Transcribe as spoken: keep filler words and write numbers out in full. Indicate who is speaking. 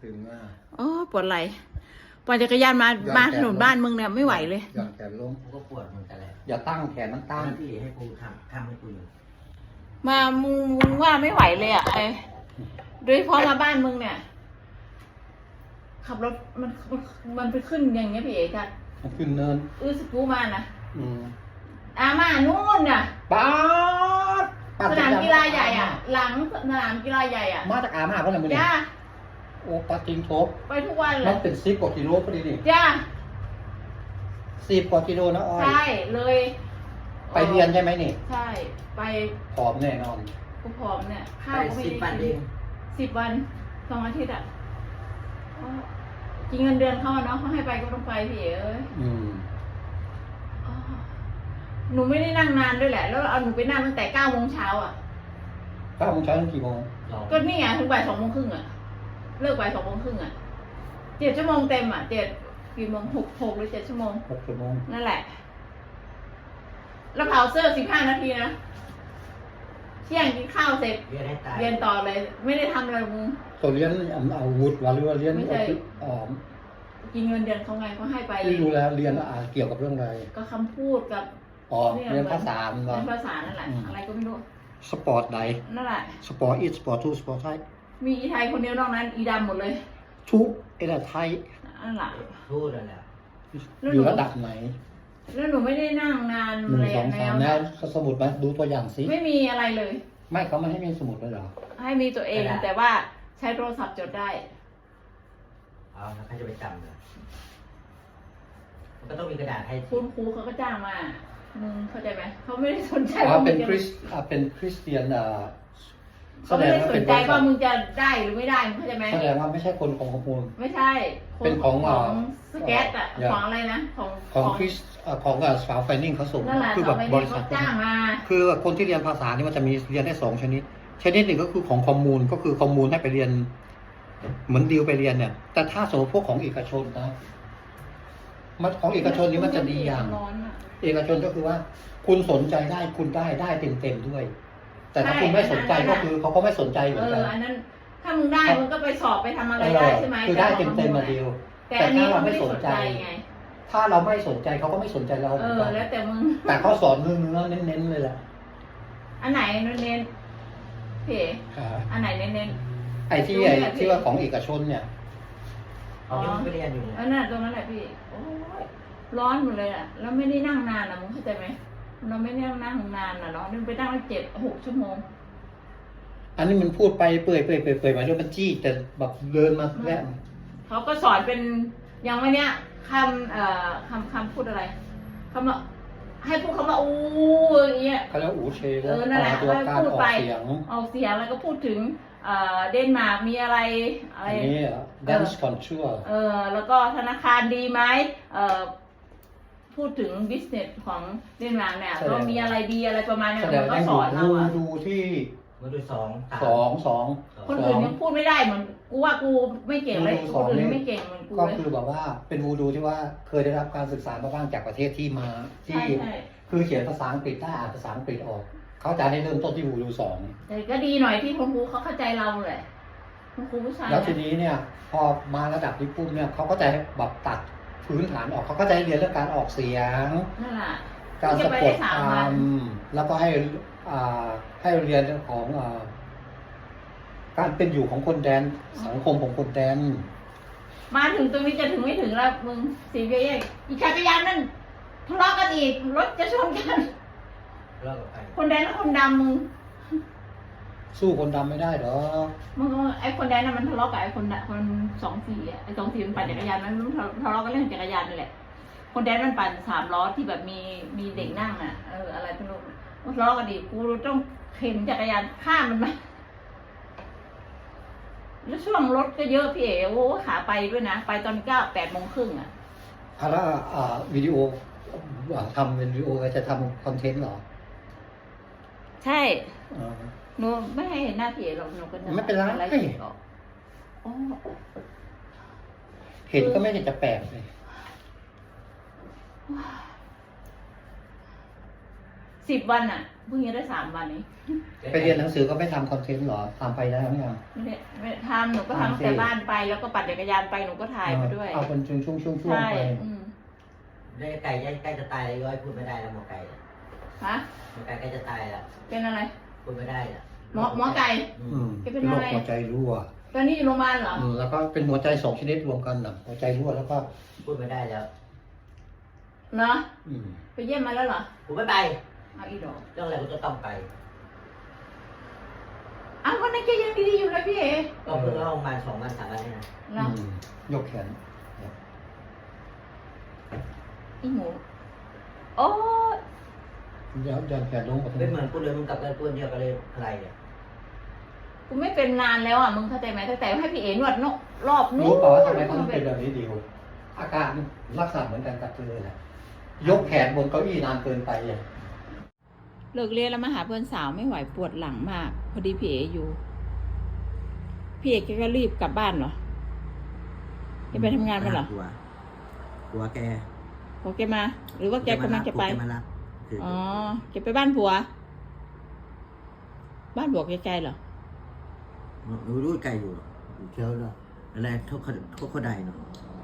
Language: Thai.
Speaker 1: ตึงอ่ะ
Speaker 2: อ๋อปวดไหล่ปั่นจักรยานมามาถนนบ้านมึงเนี่ยไม่ไหวเลย
Speaker 1: หย่อนแขนลง
Speaker 3: กูก็ปวดเหมือนกันแหละ
Speaker 1: อย่าตั้งแขนมันตั้ง
Speaker 3: พี่ให้กูทำทำให้กูอยู่
Speaker 2: มามึงมึงว่าไม่ไหวเลยอ่ะไอ้โดยเฉพาะมาบ้านมึงเนี่ยขับรถมันมันมันไปขึ้นอย่างเงี้ยพี่เอกอะ
Speaker 1: มันขึ้นเนิน
Speaker 2: อื้อสกูมานะ
Speaker 1: อืม
Speaker 2: อามานู่นน่ะ
Speaker 1: ป๊าด
Speaker 2: สนามกีฬาใหญ่อ่ะ หลังสนามกีฬาใหญ่อ่ะ
Speaker 1: มาจากอามาเพราะอะไรมึงเนี่ย
Speaker 2: จ้า
Speaker 1: โอ้ปาจิงโทบ
Speaker 2: ไปทุกวันเล
Speaker 1: มั
Speaker 2: ย
Speaker 1: นเป็นสิบกว่ากิโลพอดีนี่
Speaker 2: จ้า
Speaker 1: สิบกว่ากิโลนะอ้อย
Speaker 2: ใช่เลย
Speaker 1: ไปเรียนใช่ไหมนี่
Speaker 2: ใช่ไป
Speaker 1: ผอมแน่นอน
Speaker 2: กูผอมเนี่ยข้า
Speaker 3: ไป
Speaker 2: วก็ไม่
Speaker 3: สิบ
Speaker 2: ได้
Speaker 3: วันเอ
Speaker 2: กิน
Speaker 3: ง
Speaker 2: สิบวันสองอาทิตย์อ่ะอ๋อกินเงินเดือนเขาอะเนาะเขาให้ไปก็ต้องไปพี่เอ้ย
Speaker 1: อืม
Speaker 2: อ๋อหนูไม่ได้นั่งนานด้วยแหละ แล้วเอาหนูไปนั่งตั้งแต่เก้าโมงเช้าอ่ะ
Speaker 1: เก้าโมงเช้าถึงกี่โมง
Speaker 3: ลอง
Speaker 2: ก็นี่ไงถึงบ่ายสองโมงครึ่งอ่ะ เลิกบ่ายสองโมงครึ่งอ่ะเจ็ดชั่วโมงเต็มอ่ะเจ็ดกี่โมงหกหกหรือเจ็ดชั่วโมง
Speaker 1: หกชั่วโมง
Speaker 2: นั่นแหละ แล้วเผาเสื้อสิบห้านาทีนะเที่ยงกินข้าวเสร็จ
Speaker 3: เรียนให้ตาย
Speaker 2: เรียนต่อเลย ไม่ได้ทำอะไรมึง
Speaker 1: ตัวเรียนเอาวุฒิวะหรือว่าเรียน
Speaker 2: ไม่ใช่
Speaker 1: อ๋อ
Speaker 2: กินเงินเดือนเขาไงเขาให้ไป
Speaker 1: ที่รู้แล้วเรียนอ่าเกี่ยวกับเรื่องอะไร
Speaker 2: ก็คำพูดกับ
Speaker 1: อ๋อเรียนภาษามัน
Speaker 2: เรี
Speaker 1: วะ
Speaker 2: ยนภาษานั่นแหละ
Speaker 1: อืม
Speaker 2: อะไรก็ไม่รู้
Speaker 1: สปอร์ตใด
Speaker 2: นั่นแหละ
Speaker 1: สปอร์ตอีสปอร์ตทูสปอร์ตไทย
Speaker 2: มีอีไทยคนเดียวนอกนั้น อีดำหมดเลย
Speaker 1: ทุกเอเดไทย
Speaker 2: นั่นแหละ
Speaker 3: พูดแล้วแหละ
Speaker 2: แล้วหนู
Speaker 1: อยู่ระดับไหน
Speaker 2: แล้วหนูไม่ได้นั่งนาน
Speaker 1: หนึ่ง
Speaker 2: เลย
Speaker 1: สอง
Speaker 2: แน
Speaker 1: สาม
Speaker 2: ว
Speaker 1: แล้วสมุดมาดูตัวอย่างสิ
Speaker 2: ไม่มีอะไรเลย
Speaker 1: ไม่เขาไม่ให้มีสมุดเลยเหรอ
Speaker 2: ให้มีตัวเองแต่ว่าใช้โทรศัพท์จดได้
Speaker 3: เอาแล้วใครจะไปจำเลยมันก็ต้องมีกระดาษให้
Speaker 2: คุณครูเขาก็จ้างมา มึงเข้าใจไหม เขาไม่ได้สนใจ
Speaker 1: อ๋อ
Speaker 2: ว่ามึ
Speaker 1: เป็น
Speaker 2: งจะ
Speaker 1: คริสอ่าเป็นคริสเตียนอ่าแส
Speaker 2: เขา
Speaker 1: ด
Speaker 2: ไม่
Speaker 1: ง
Speaker 2: ได้
Speaker 1: ว่า
Speaker 2: ส
Speaker 1: เป็น น
Speaker 2: ใจ
Speaker 1: บริษั
Speaker 2: ว่า
Speaker 1: ท
Speaker 2: มึงจะได้หรือไม่ได้มึงเข้าใจไหม
Speaker 1: แสดงว่าไม่ใช่คนของขมูล
Speaker 2: ไม่ใช่ค
Speaker 1: เป็นของ
Speaker 2: ของ
Speaker 1: อ่า
Speaker 2: สแกตอะ
Speaker 1: อย่า
Speaker 2: ของอะไรนะ ของ
Speaker 1: ของคริสอ่าของอ่าสาวไฟนิ่งเขาส่ง
Speaker 2: นั่นแหละ
Speaker 1: คือ
Speaker 2: ส
Speaker 1: แบ
Speaker 2: อบ งใบบ นี้
Speaker 1: ริษั
Speaker 2: เขา
Speaker 1: ท
Speaker 2: จ้างมา
Speaker 1: คือคนที่เรียนภาษานี่มันจะมีเรียนได้สองชนิด ชนิดหนึ่งก็คือของคอมมูนก็คือคอมมูนให้ไปเรียน เหมือนดิวไปเรียนเนี่ย แต่ถ้าสมมติพวกของเอกชนนะมันของเอกชนนี่มันจะดีอย่าง
Speaker 2: ร้อนอะ
Speaker 1: เอกชนก็คือว่า คุณสนใจได้คุณได้ได้เต็มเต็มๆด้วย แต่ถ้าคุณไม่สนใจก็คือเขาก็ไม่สนใจเหมื
Speaker 2: เอ
Speaker 1: อนกั
Speaker 2: อน อันนั้น ถ้ามึงได้มึงก็ไปสอบไปทำอะไร
Speaker 1: เอ
Speaker 2: ได้
Speaker 1: อ
Speaker 2: ใช่ไหม
Speaker 1: คือได้เต็มเต็มๆมาดิว
Speaker 2: แต่
Speaker 1: แต่
Speaker 2: อันนี้
Speaker 1: ถ้าเรา
Speaker 2: เขา
Speaker 1: ไม่
Speaker 2: ไม่
Speaker 1: ส
Speaker 2: ส
Speaker 1: น
Speaker 2: น
Speaker 1: ใจ
Speaker 2: ใจไง
Speaker 1: ถ้าเราไม่สนใจเขาก็ไม่สนใจเราเห
Speaker 2: เอ
Speaker 1: มือน
Speaker 2: อ
Speaker 1: กัน
Speaker 2: แล้วแต่มึง
Speaker 1: แต่เขาสอนเนื้อเนื้อๆเน้นๆเลยแหละ
Speaker 2: อันไหนเน้นๆพี่
Speaker 1: อ่า
Speaker 2: อันไหนเน้น
Speaker 1: ไอ้ที่ไอ้ที่ว่าของเอกชนเนี่ย
Speaker 3: เอาที่มึงไปเรียนอยู่
Speaker 2: ๆ
Speaker 3: เนี่ย
Speaker 2: อันนั้นตรงนั้นแหละพี่โอ้ยร้อนหมดเลยอ่ะแล้วไม่ได้นั่งนานอ่ะมึงเข้าใจไหมเราไม่ได้นั่งนานอ่ะเนาะนี่ไปนั่งตั้งเจ็ดหกชั่วโมง
Speaker 1: อันนี้มันพูดไปเปื่อยเปื่อยเปื่อยเปื่อยมาด้วยมันจี้แต่แบบเดินมาแล้ว
Speaker 2: เขาก็สอนเป็นอย่างวันเนี้ยคำเอ่อคำคำพูดอะไรคำว่าให้พูดคำว่าอู้อย่างเงี้ย
Speaker 1: เขาเรียกอูเช
Speaker 2: เออนั่นแหละ
Speaker 1: ตัวการ
Speaker 2: พูด
Speaker 1: ออก
Speaker 2: ไป
Speaker 1: เสียง
Speaker 2: ออกเสียงแล้วก็พูดถึงเอ่อเดนมาร์กมีอะไรอะไร
Speaker 1: อันนี้ dance contour
Speaker 2: เออแล้วก็ธนาคารดีไหมเออพูดถึงบิสเนสของเดนมาร์กเนี่ย
Speaker 1: แสดง
Speaker 2: ก็มีอะไรดีอะไรประมาณเนี้ย
Speaker 1: แสดง
Speaker 2: มันก็
Speaker 1: ได้
Speaker 2: ส
Speaker 1: ดู
Speaker 2: อนเรา
Speaker 1: ดู
Speaker 2: อะ
Speaker 1: ดูที่
Speaker 3: มาดูสองสาม
Speaker 1: สองสอง
Speaker 2: คนอื่นยังพูดไม่ได้เหมือนกูว่ากูไม่เก่งเลย
Speaker 1: ดู
Speaker 2: ค
Speaker 1: สอน
Speaker 2: อื่น
Speaker 1: นี่
Speaker 2: ไม่เก่งเหมือนกู
Speaker 1: ก็
Speaker 2: เลย
Speaker 1: คือแบบว่าเป็นวูดูที่ว่าเคยได้รับการศึกษามาบ้างจากประเทศที่มา
Speaker 2: ใช่
Speaker 1: ที่
Speaker 2: ใช่
Speaker 1: คือเขียนภาษาอังกฤษได้อ่านภาษาอังกฤษออก เขาจะให้เริ่มต้นที่วูดูสอง
Speaker 2: แต่ก็ดีหน่อยที่คุณครูเขาเข้าใจเราแหละคุณครูผู้ชาย
Speaker 1: แล้วที
Speaker 2: นะ
Speaker 1: นี้เนี่ย พอมาระดับนี้ปุ๊บเนี่ยเขาก็จะให้แบบตัดพื้นฐานออกเขาก็จะให้เรียนเรื่องการออกเสียง
Speaker 2: นั่นแหละ
Speaker 1: การ
Speaker 2: จะ
Speaker 1: สะ
Speaker 2: ไป
Speaker 1: ก
Speaker 2: ได้
Speaker 1: ด
Speaker 2: สาม
Speaker 1: ค
Speaker 2: วัน
Speaker 1: ำแล้วก็ให้อ่าให้เรียนเรื่องของอ่าการเป็นอยู่ของคนแดนสังคมของคนแดน
Speaker 2: มาถึงตรงนี้จะถึงไม่ถึงแล้วมึงสีเบี้ยอีกจักรยานนั่นทะเลาะกันอีกรถจะชนกัน
Speaker 3: เลิกกับใคร
Speaker 2: คนแดนกับคนดำมึง
Speaker 1: สู้คนดำไม่ได้หรอก
Speaker 2: มึงไอ้คนแดนน่ะมันทะเลาะกับไอ้คนน่ะคนสองสี่อ่ะไอ้สองสี่มันปั่นจักรยานมันทะเลาะกันเรื่องจักรยานนี่แหละคนแดนมันปั่นสามล้อที่แบบมีมีเด็กนั่งอ่ะเอออะไรไม่รู้มันทะเลาะกันอีกกูต้องเข็นจักรยานข้ามมันมาแล้วช่วงรถก็เยอะพี่เอ๋โอ้ขาไปด้วยนะไปตอนเก้าแปดโมงครึ่งอ่ะ
Speaker 1: อะแล้วอ่าวิดีโออ่าทำเป็นวิดีโอจะทำคอนเทนต์เหรอ
Speaker 2: ใช่
Speaker 1: อ่า
Speaker 2: หนูไม่ให้เห็นหน้าพี่เอ๋หรอกหนูก็
Speaker 1: ไม่เป็นไร
Speaker 2: อะไรเก็บออกอ๋อ
Speaker 1: เห็นก็ไม่ได้จะแปลกเลย
Speaker 2: สิบวันอ่ะเพิ่งจะได้สามวันนี้
Speaker 1: ไปเรียนหนังสือก็ไม่ทำคอนเทนต์หรอทำไปแล้วเนี่ย
Speaker 2: ไม่ได้ไม่ได้ทำหนูก็ทำตั้งแต่บ้านไปแล้วก็ปั่นจักรยานไปหนูก็ถ่ายมาด้วย
Speaker 1: เอาเป็นช่วงช่วงช่วงช่วง
Speaker 2: ใช่
Speaker 1: ไป
Speaker 2: อืม
Speaker 3: ได้ไก่ใกล้จะตายแล้วย้อยพูดไม่ได้แล้วหมอไก่อะ
Speaker 2: ฮะ
Speaker 3: หมอไก่ใกล้จะตายแล้ว
Speaker 2: เป็นอะไร
Speaker 3: พูดไม่ได้อะ
Speaker 2: หมอหมอไก่
Speaker 3: อื
Speaker 1: อื
Speaker 3: ม
Speaker 1: ม
Speaker 2: แกเป็
Speaker 1: เป็น น
Speaker 2: อะ
Speaker 1: โร
Speaker 2: ไร
Speaker 1: คหัวใจรั่ว
Speaker 2: ตอนนี้อยู่โรงพยาบาลเหรอ
Speaker 1: อืมแล้วก็เป็นหัวใจสองชนิดรวมกันนะหัวใจรั่วแล้วก็
Speaker 3: พูดไม่ได้แล้ว
Speaker 2: เนาะ
Speaker 1: อืม
Speaker 2: ไปเยี่ยมมาแล้วเหรอ
Speaker 3: กูไม่ไป
Speaker 2: เอาอีดอก
Speaker 3: เรื่องอะไรกูจะต้องไป
Speaker 2: อ้าววันนั้นแกยังดีๆอยู่เลยพี่เอ๋
Speaker 3: ก็เพิ่งเข้าโรงพยาบาลสองวันสามวันนี่นะ
Speaker 2: เนาะ
Speaker 1: อืมยกแขน
Speaker 2: อีหมูโอ้ย
Speaker 1: ยันยันแขนลงกับ
Speaker 3: ไม่เหมือนกูเลยมึงกลับกันตัวเดียวกันเลยอะไรเนี่ย
Speaker 2: กูไม่เป็นนานแล้วอ่ะมึงเข้าใจไหมตั้งแต่ให้พี่เอ๋นวดนกรอบนู้น
Speaker 1: รู้เปล่าว่าทำไมเขาต้องเป็นแบบนี้ดิวอาการลักษณะเหมือนกันกับเธอแหละยกแขนบนเก้าอี้นานเกินไปอ่ะ
Speaker 2: เลิกเรียนแล้วมาหาเพื่อนสาวไม่ไหวปวดหลังมาก พอดีพี่เอ๋อยู่ พี่เอ๋แกก็รีบกลับบ้านเหรอแกไปทำงานมาเหรอก
Speaker 4: ลัวกลัวแก
Speaker 2: พอแกมา หรือว่าแกกำลังจะไป
Speaker 4: แกมารับคือ
Speaker 2: อ๋อแกไปบ้านผัว บ้านผัวไกลๆเหรอ
Speaker 4: หนูรู้ไกลอยู่อยู่เที่ยวเนาะอะไรเขาเขาเขาเขาใดเนาะ
Speaker 2: อ